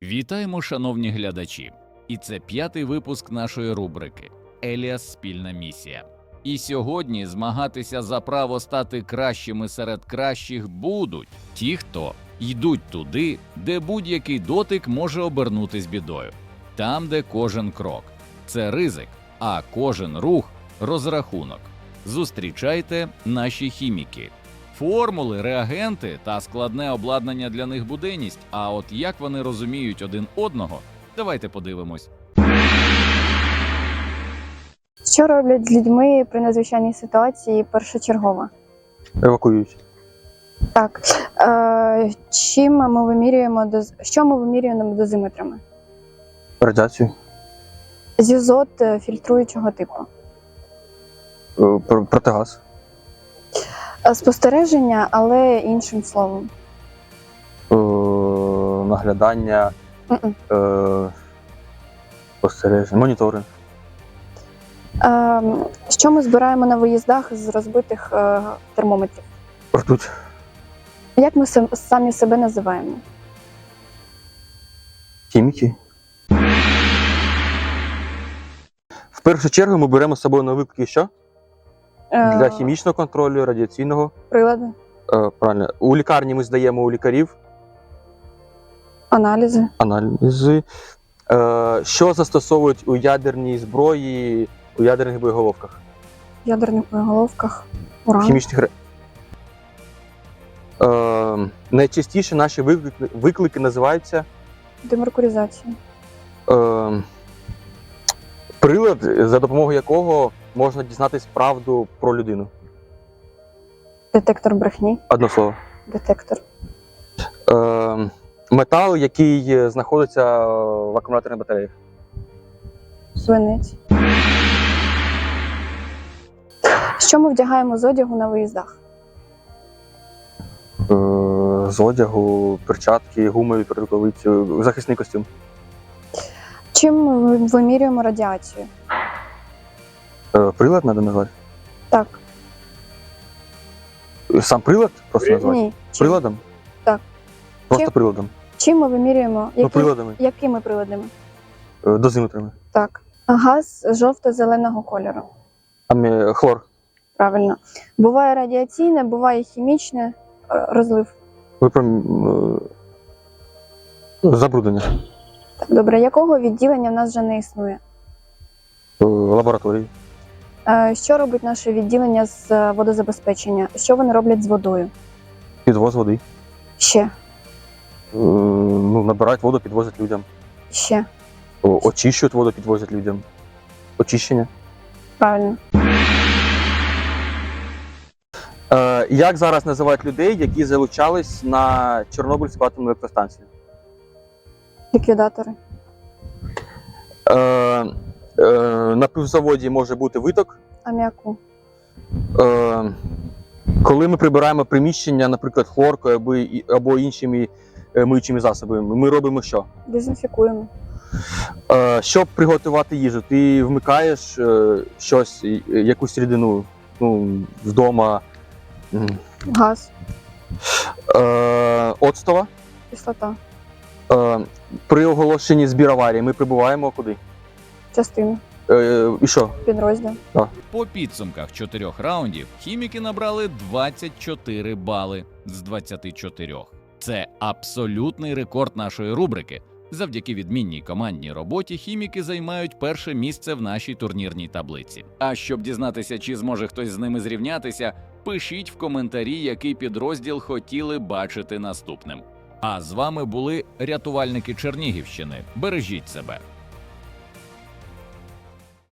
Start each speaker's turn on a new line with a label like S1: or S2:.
S1: Вітаємо, шановні глядачі! І це 5-й випуск нашої рубрики «Еліас. Спільна місія». І сьогодні змагатися за право стати кращими серед кращих будуть ті, хто йдуть туди, де будь-який дотик може обернутись бідою. Там, де кожен крок – це ризик, а кожен рух – розрахунок. Зустрічайте наші хіміки. Формули, реагенти та складне обладнання для них буденність, а от як вони розуміють один одного, давайте подивимось.
S2: Що роблять з людьми при надзвичайній ситуації першочергово?
S3: Евакуюють.
S2: Так. Що ми вимірюємо дозиметрами?
S3: Радіацію.
S2: З'язот фільтруючого типу.
S3: Протигаз.
S2: Спостереження, але іншим словом.
S3: Наглядання. Спостереження. Моніторинг.
S2: Що ми збираємо на виїздах з розбитих термометрів?
S3: Ртуть.
S2: Як ми самі себе називаємо?
S3: Хіміки. В першу чергу ми беремо з собою на виклики що? Для хімічного контролю, радіаційного.
S2: Прилади,
S3: Правильно. У лікарні ми здаємо у лікарів
S2: аналізи.
S3: аналізи. Що застосовують у ядерній зброї, у ядерних боєголовках?
S2: В ядерних боєголовках. Уран.
S3: Хімічних найчастіше наші виклики називаються
S2: Демеркуризація.
S3: прилад, за допомогою якого можна дізнатись правду про людину.
S2: Детектор брехні.
S3: Одне слово.
S2: Детектор.
S3: Метал, який знаходиться в акумуляторних батареях.
S2: Свинець. Що ми вдягаємо з одягу на виїздах?
S3: З одягу, перчатки, гумові рукавиці, захисний костюм.
S2: Чим ми вимірюємо радіацію?
S3: Прилад треба назвати?
S2: Так.
S3: Сам прилад просто назвати?
S2: Ні.
S3: Приладом?
S2: Так.
S3: Просто
S2: Чим?
S3: приладом.
S2: Чим ми вимірюємо?
S3: Приладами.
S2: Якими приладами?
S3: Дозиметрами.
S2: Так. Газ жовто-зеленого кольору.
S3: Хлор.
S2: Правильно. Буває радіаційне, буває хімічне розлив.
S3: Забруднення.
S2: Так, добре. Якого відділення в нас вже не існує?
S3: Лабораторії.
S2: Що робить наше відділення з водозабезпечення? Що вони роблять з водою?
S3: Підвоз води.
S2: Ще.
S3: Набирають воду, підвозять людям.
S2: Ще.
S3: Очищують воду, підвозять людям. Очищення.
S2: Правильно.
S3: Як зараз називають людей, які залучались на Чорнобильську атомну електростанцію?
S2: Ліквідатори.
S3: На пивзаводі може бути виток.
S2: Аміаку.
S3: Коли ми прибираємо приміщення, наприклад, хлоркою або іншими миючими засобами, ми робимо що?
S2: Дезінфікуємо.
S3: Щоб приготувати їжу, ти вмикаєш щось, якусь рідину, вдома.
S2: Газ.
S3: Оцтова.
S2: Кислота.
S3: При оголошенні збір аварії ми прибуваємо куди?
S2: Частина.
S3: І що?
S2: Підрозділ.
S1: По підсумках 4 раундів хіміки набрали 24 бали з 24. Це абсолютний рекорд нашої рубрики. Завдяки відмінній командній роботі хіміки займають перше місце в нашій турнірній таблиці. А щоб дізнатися, чи зможе хтось з ними зрівнятися, пишіть в коментарі, який підрозділ хотіли бачити наступним. А з вами були рятувальники Чернігівщини. Бережіть себе!